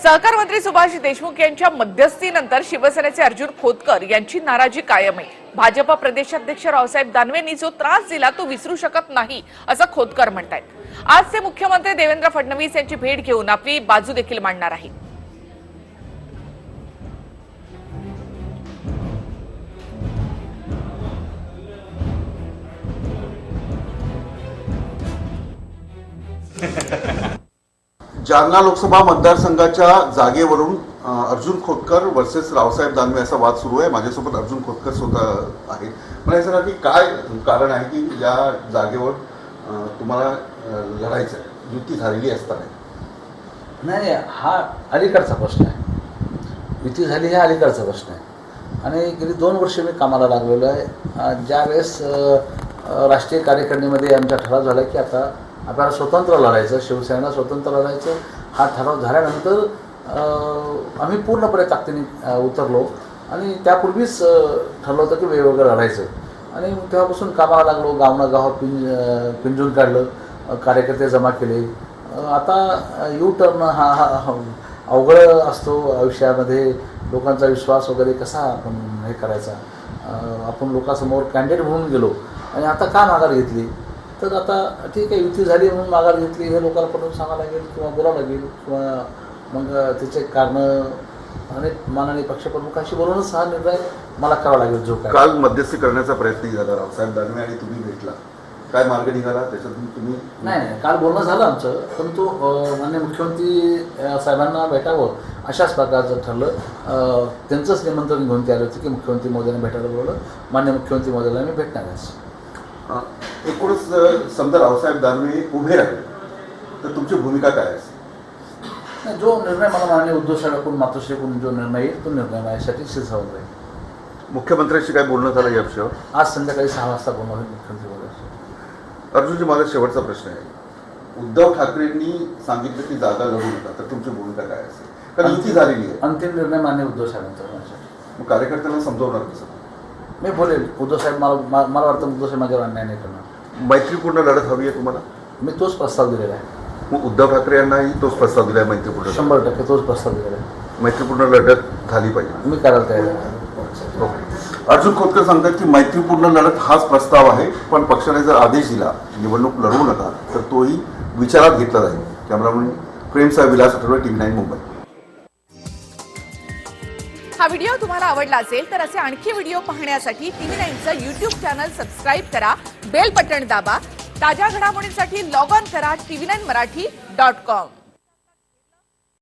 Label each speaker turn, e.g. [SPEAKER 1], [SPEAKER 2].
[SPEAKER 1] सहकार मंत्री सुभाष देशमुख यांच्या मध्यस्थीनंतर शिवसेनेचे अर्जुन खोतकर यांची नाराजी कायम आहे। भाजप प्रदेशाध्यक्ष रावसाहेब दानवेंनी जो त्रास दिला तो विसरू शकत नाही असं खोतकर म्हणतात। आज ते मुख्यमंत्री देवेंद्र फडणवीस यांची भेट घेऊन आपली बाजू देखील मांडणार आहेत।
[SPEAKER 2] जालना लोकसभा मतदारसंघाच्या जागेवरून अर्जुन खोतकर वर्सेस रावसाहेब दानवे असा वाद सुरू आहे। माझ्यासोबत अर्जुन खोतकर स्वतः आहेत। मला हे सांगा की काय कारण आहे की या जागेवर तुम्हाला लढायचं आहे, युती झालेली असताना?
[SPEAKER 3] नाही, हा अलीकडचा प्रश्न आहे। युती झाली हा अलीकडचा प्रश्न आहे आणि गेली 2 वर्ष मी कामाला लागलेलो आहे। ज्यावेळेस राष्ट्रीय कार्यकारिणीमध्ये आमचा ठराव झाला की आता आपल्याला स्वतंत्र लढायचं, शिवसेनेला स्वतंत्र लढायचं, हा ठराव झाल्यानंतर आम्ही पूर्णपणे ताकदीने उतरलो आणि त्यापूर्वीच ठरलं होतं की वेगवेगळं लढायचं आणि तेव्हापासून कामाला लागलो। गावागाव पिंजून काढलं, कार्यकर्ते जमा केले। आता यू टर्न हा अवघड असतो आयुष्यामध्ये। लोकांचा विश्वास वगैरे कसा आपण हे करायचा। आपण लोकांसमोर कॅन्डिडेट म्हणून गेलो आणि आता का माघार घेतली, तर आता ठीक आहे युती झाली म्हणून माघार घेतली हे लोकांना पटवून सांगायला लागेल किंवा बोलावं लागेल किंवा मग त्याचे कारणं अनेक माननीय पक्षप्रमुखांशी बोलूनच हा निर्णय मला करावा लागेल। जो काय
[SPEAKER 2] काल मध्यस्थी करण्याचा प्रयत्न झाला रावसाहेब दानवे आणि तुम्ही भेटला, काय मार्ग निघाला त्याच्यातून? तुम्ही
[SPEAKER 3] नाही, काल बोलणं झालं आमचं, परंतु माननीय मुख्यमंत्री साहेबांना भेटावं अशाच प्रकारचं ठरलं। त्यांचंच निमंत्रण घेऊन ते आले होते की मुख्यमंत्री महोदयांना भेटायला बोलवलं। माननीय मुख्यमंत्री महोदयाला मी भेटणार आहे।
[SPEAKER 2] एकूणच समजा रावसाहेब दानवे उभे राहिले तर तुमची भूमिका काय असेल?
[SPEAKER 3] नाही, जो निर्णय मला माननीय उद्धव साहेबांकडून मातोश्रीकडून जो निर्णय येईल तो निर्णय माझ्यासाठी शिरसावत राहील।
[SPEAKER 2] मुख्यमंत्र्यांशी काय बोलणं झालं या विषयावर?
[SPEAKER 3] आज संध्याकाळी 6 वाजता बोलणं होईल मुख्यमंत्री महोदयांशी।
[SPEAKER 2] अर्जुनजी, माझा शेवटचा प्रश्न आहे। उद्धव ठाकरेंनी सांगितलं की जागा लढू नका, तर तुमची भूमिका काय असेल? कारण युती झालेली आहे।
[SPEAKER 3] अंतिम निर्णय माननीय उद्धव साहेबांचा माझ्यासाठी।
[SPEAKER 2] मग कार्यकर्त्यांना समजवणार कसं?
[SPEAKER 3] मी बोलेल उद्धव साहेब, मला वाटतं उद्धव साहेब माझ्यावर अन्याय नाही करणार।
[SPEAKER 2] मैत्रीपूर्ण लढत हवी आहे तुम्हाला?
[SPEAKER 3] मी तोच प्रस्ताव दिलेला आहे।
[SPEAKER 2] मग उद्धव ठाकरे यांनाही तोच प्रस्ताव दिला आहे मैत्रीपूर्ण?
[SPEAKER 3] 100% तोच प्रस्ताव दिलेला आहे।
[SPEAKER 2] मैत्रीपूर्ण लढत झाली पाहिजे,
[SPEAKER 3] मी करायला तयार आहे।
[SPEAKER 2] ओके। अर्जुन खोतकर सांगतात की मैत्रीपूर्ण लढत हाच प्रस्ताव आहे, पण पक्षाने जर आदेश दिला निवडणूक लढवू नका तर तोही विचारात घेतला जाईल। कॅमेरामन प्रेमसह विलास आठवडे, TV9 मुंबई।
[SPEAKER 1] हा व्हिडिओ तुम्हाला आवडला असेल तर असे आणखी व्हिडिओ पाहण्यासाठी TV9चं YouTube चॅनल सबस्क्राइब करा, बेल बटन दाबा। ताज्या घडामोडींसाठी लॉग ऑन करा tv9marathi.com।